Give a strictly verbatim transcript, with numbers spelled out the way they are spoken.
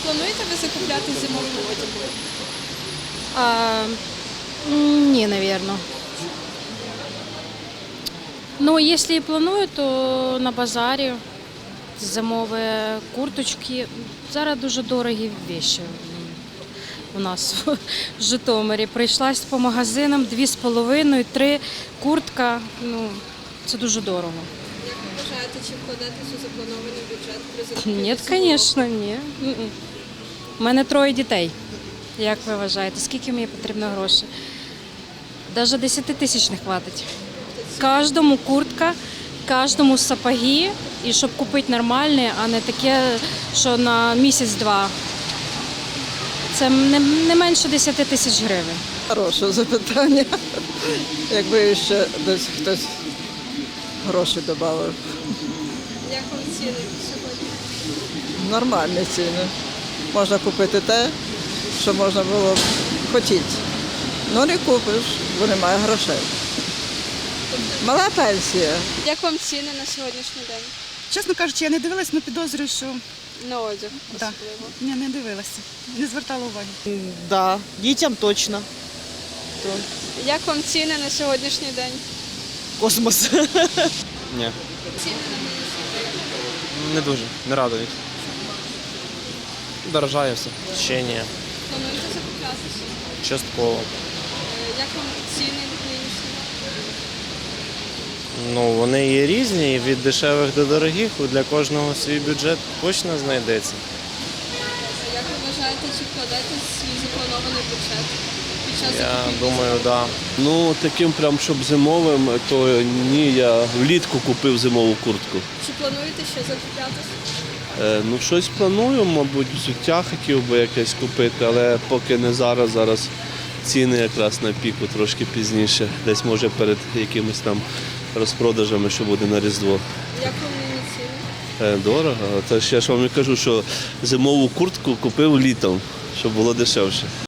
плануєте ви закупляти зимовий одяг? А, м, ні, напевно. Ну, якщо і планую, то на базарі зимові курточки. Зараз дуже дорогі речі у нас в Житомирі. Прийшлась по магазинам дві з половиною, три куртка. Ну, це дуже дорого. Як ви вважаєте, чи вкладатись у запланований бюджет при закупівлі Ні, зимового? звісно, ні. М-м. У мене троє дітей. Як ви вважаєте, скільки мені потрібно грошей? Навіть десять тисяч не хватить. Кожному куртка, кожному сапоги, і щоб купити нормальне, а не таке, що на місяць-два. Це не, не менше десять тисяч гривень. Хороше запитання. Якби ще десь хтось гроші додав. Як вам ціни сьогодні? Нормальні ціни. Можна купити те, що можна було б хотіти. Ну не купиш, бо немає грошей. Мала пенсія. Як вам ціни на сьогоднішній день? Чесно кажучи, я не дивилась, але підозрюю, що На одяг да. особливо. Ні, не дивилася, не звертала уваги. Да, дітям точно. То Як вам ціни на сьогоднішній день? космос. Ні, Ціни на мінус. не дуже, не радують. Дорожає все. Ще ні, Плануєте закуплятися? частково. Е, Як вам ціни нинішні? Ну, вони є різні, і від дешевих до дорогих, для кожного свій бюджет точно знайдеться. А як ви вважаєте, чи вкладаєте свій запланований бюджет під час Я закупівлі? думаю, так. Да. Ну, таким прям, щоб зимовим, то ні, я влітку купив зимову куртку. Чи плануєте ще закуплятися? Е, ну, щось планую, мабуть, взуття хотів би якесь купити, але поки не зараз, зараз ціни якраз на піку, трошки пізніше, десь може перед якимись там розпродажами, що буде на Різдво. Як вам нині ціни? Е, дорого, це ж я ж вам і кажу, що зимову куртку купив літом, щоб було дешевше.